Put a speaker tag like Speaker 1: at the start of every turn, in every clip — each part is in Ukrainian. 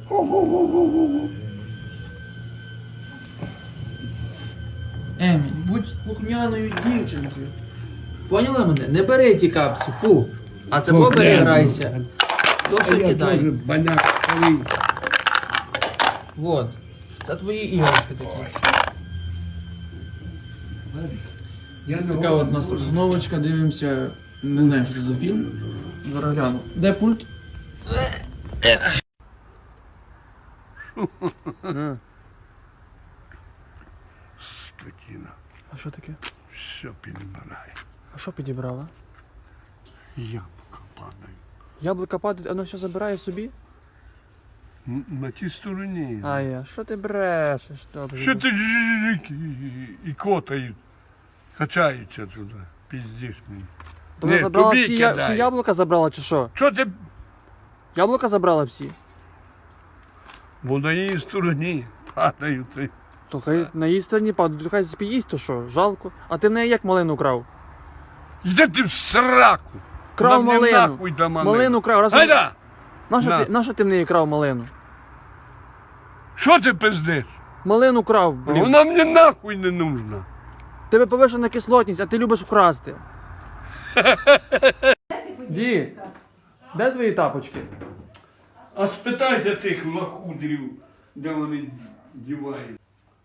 Speaker 1: Еміль, будь слухняною дівчинкою. Поняла мене? Не бери ті капці, фу. А це побери, грайся. То все кидай. Вот. Це твої іграшки такі. Така от у нас обстановочка, дивимося. Не знаю, що це за фільм. Зараз гляну. Де пульт?
Speaker 2: Скотина.
Speaker 1: А що таке?
Speaker 2: Все підбирає.
Speaker 1: А що підібрала?
Speaker 2: Яблука падає.
Speaker 1: Яблука падає, воно все забирає собі?
Speaker 2: На тій стороні.
Speaker 1: А я, що ти брешеш? Добре.
Speaker 2: Що ти і котають. Качаються туди. Піздиш мені.
Speaker 1: То вона
Speaker 2: Ні,
Speaker 1: забрала
Speaker 2: тобі
Speaker 1: всі
Speaker 2: кидаю.
Speaker 1: яблука забрала чи що?
Speaker 2: Що ти?
Speaker 1: Яблука забрала всі?
Speaker 2: Бо на її стороні падають.
Speaker 1: То хай на її стороні падають, то хай поїсть, то що? Жалко. А ти в неї як малину крав?
Speaker 2: Йди ти в сраку.
Speaker 1: Крав
Speaker 2: Нам не
Speaker 1: малину.
Speaker 2: нахуй до малину.
Speaker 1: Малину крав. Раз...
Speaker 2: Гайда! На.
Speaker 1: Нащо ти в неї крав малину?
Speaker 2: Що ти пиздиш?
Speaker 1: Малину крав, блін.
Speaker 2: Вона мені нахуй не нужна.
Speaker 1: Тебе повишена кислотність, а ти любиш вкрасти. Ді, де твої тапочки?
Speaker 2: А спитайся тих лохудрів, де вони дівають.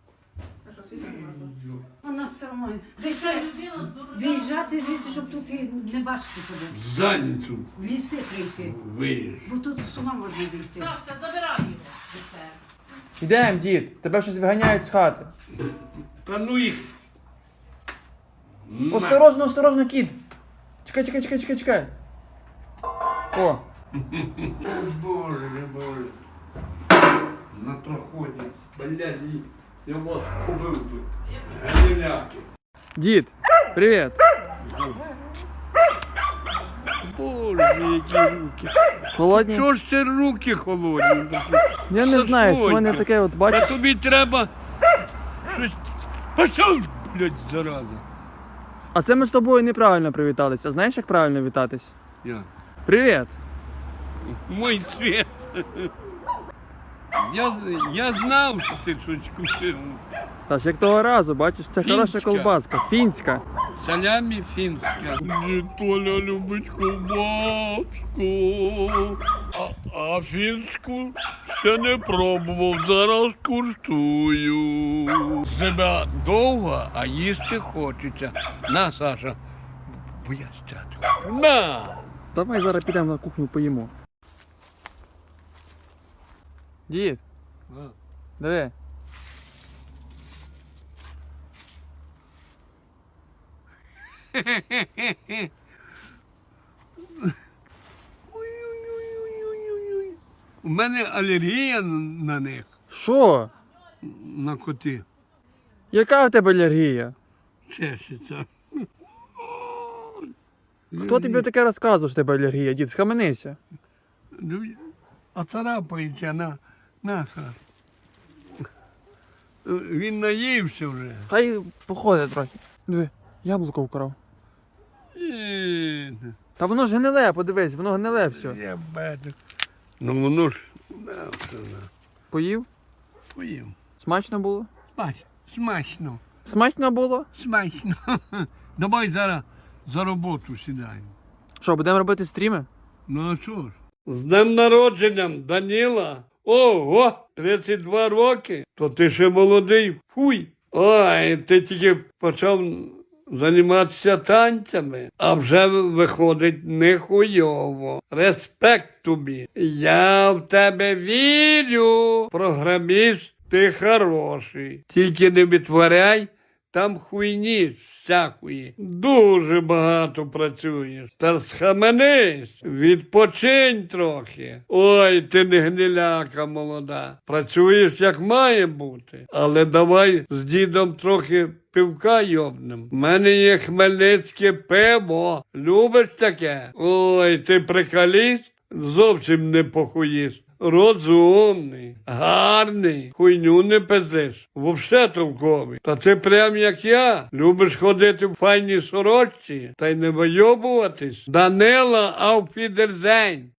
Speaker 3: У нас все одно. Десь треба виїжджати звідси, щоб тут і не бачити тебе.
Speaker 2: Задницю
Speaker 3: В ліси треба йти.
Speaker 2: виїж.
Speaker 3: Бо тут з ума можна вийти.
Speaker 4: Сашка, забирай його.
Speaker 1: Ідем, дід, тебе щось виганяють з хати.
Speaker 2: Та ну їх.
Speaker 1: Осторожно, осторожно, кіт. Чекай. О,
Speaker 2: Боже, боже. На проході. Блядь, я вас побив би. Галіляки.
Speaker 1: дід, привіт.
Speaker 2: Боже, які руки.
Speaker 1: Холодні?
Speaker 2: Чого ж це руки холодні такі?
Speaker 1: Я не знаю, що в мене
Speaker 2: Сашонька.
Speaker 1: таке от,
Speaker 2: Та
Speaker 1: бачиш?
Speaker 2: тобі треба щось. Пішов, блядь, зараза.
Speaker 1: А це ми з тобою неправильно привіталися. Знаєш, як правильно вітатись?
Speaker 2: Я.
Speaker 1: Привіт.
Speaker 2: Мой цвет. Я знав, що ти щось купив.
Speaker 1: Та ж як того разу, бачиш, це хороша
Speaker 2: Фінська.
Speaker 1: колбаска, фінська.
Speaker 2: Салямі фінська. Толя любить ковбаску, а фінську ще не пробував, зараз куштую. Зима довга, а їсти хочеться. На, Саша, бо я стяти хочу. На!
Speaker 1: Давай зараз підемо на кухню поїмо. Дід, диви.
Speaker 2: Ой-ой-ой-ой-ой-ой. У мене алергія на них,
Speaker 1: Що?
Speaker 2: на коти.
Speaker 1: Яка в тебе алергія?
Speaker 2: Чешеться.
Speaker 1: Хто тобі таке розказував, що в тебе алергія, дід? Схаменися.
Speaker 2: А царапається на Саш. Він наївся вже.
Speaker 1: Хай походить трохи. Диви, яблуко вкрав. Та воно ж гниле, подивись, воно гниле все.
Speaker 2: Я бачу. Ну воно ж все,
Speaker 1: Поїв?
Speaker 2: поїв.
Speaker 1: Смачно було?
Speaker 2: Смачно.
Speaker 1: Смачно було?
Speaker 2: Смачно. Давай зараз за роботу сідаємо.
Speaker 1: Що, будемо робити стріми?
Speaker 2: Ну а що ж? З днем народженням, Даніла. Ого, 32 роки. То ти ще молодий. Фуй. Ой, ти тільки почав займатися танцями, а вже виходить нехуйово. Респект тобі. Я в тебе вірю. Програміст, ти хороший. Тільки не витворяй там хуйні всякої. Дуже багато працюєш. Та схаменись, відпочинь трохи. Ой, ти не гниляка молода. Працюєш як має бути. Але давай з дідом трохи пивка йобнем. У мене є хмельницьке пиво. Любиш таке? Ой, ти приколіст? Зовсім не похуїст. Розумний, гарний, хуйню не пиздиш, вовсе толковий. Та ти прям як я, любиш ходити в файній сорочці та й не вийобуватись. Данила, ауфідерзень.